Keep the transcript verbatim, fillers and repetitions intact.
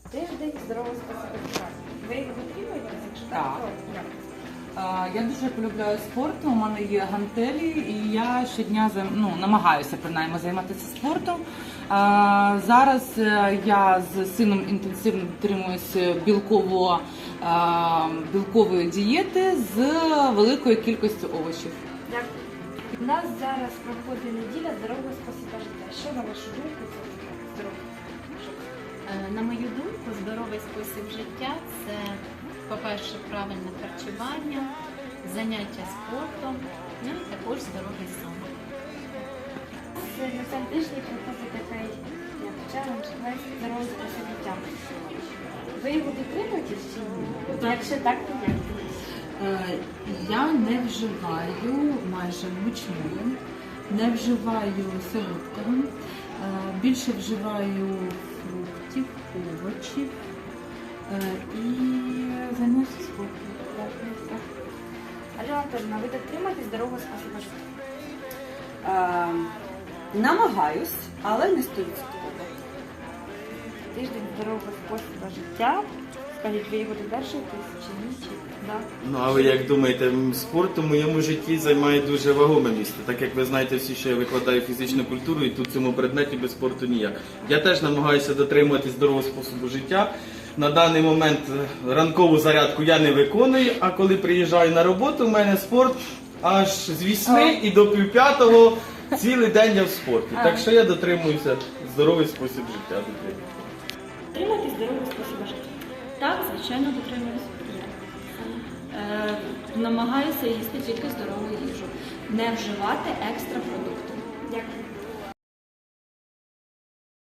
Тиждень здорового способу життя. Ви його дотримуєтесь? Якщо так, Так. то як? Е, Я дуже полюбляю спорт, у мене є гантелі, і я щодня займ- ну, намагаюся принаймні займатися спортом. Е, Зараз е, я з сином інтенсивно дотримуюся білково, е, білкової дієти з великою кількістю овочів. Дякую. У нас зараз проходить неділя здорового способу життя. Що на вашу думку це таке здоровий спосіб? Е, На мою думку, здоровий спосіб життя це, по-перше, правильне харчування, заняття спортом, ну і також здоровий сон. Це на цьому тижні проходить такий як челендж весь здоровий спосіб життя. Ви його дотримуєтесь чи ні? Якщо так, то як? Е, Я не вживаю майже мучного, не вживаю солодкого, е, більше вживаю фруктів, овочів е, і займаюся спортом. Альона Анатольовна, ви дотримуєтесь здорового способу життя? Е, намагаюсь, але не стовідсотково. Тиждень здорового способу життя. Скажіть, ви його додержуєтесь чи ні? Чи да? Ну, а ви як думаєте, м, спорт у моєму житті займає дуже вагоме місце. Так як ви знаєте всі, що я викладаю фізичну культуру, і тут в цьому предметі без спорту ніяк. Я теж намагаюся дотримуватись здорового способу життя. На даний момент е, ранкову зарядку я не виконую, а коли приїжджаю на роботу, у мене спорт аж з вісьми і до півп'ятого цілий день я в спорті. Так що я дотримуюся здоровий спосіб життя. Дотримуєтесь здорового способу життя? Так, звичайно, дотримуюсь. Е, намагаюся їсти тільки здорову їжу, не вживати екстра продукти. Дякую.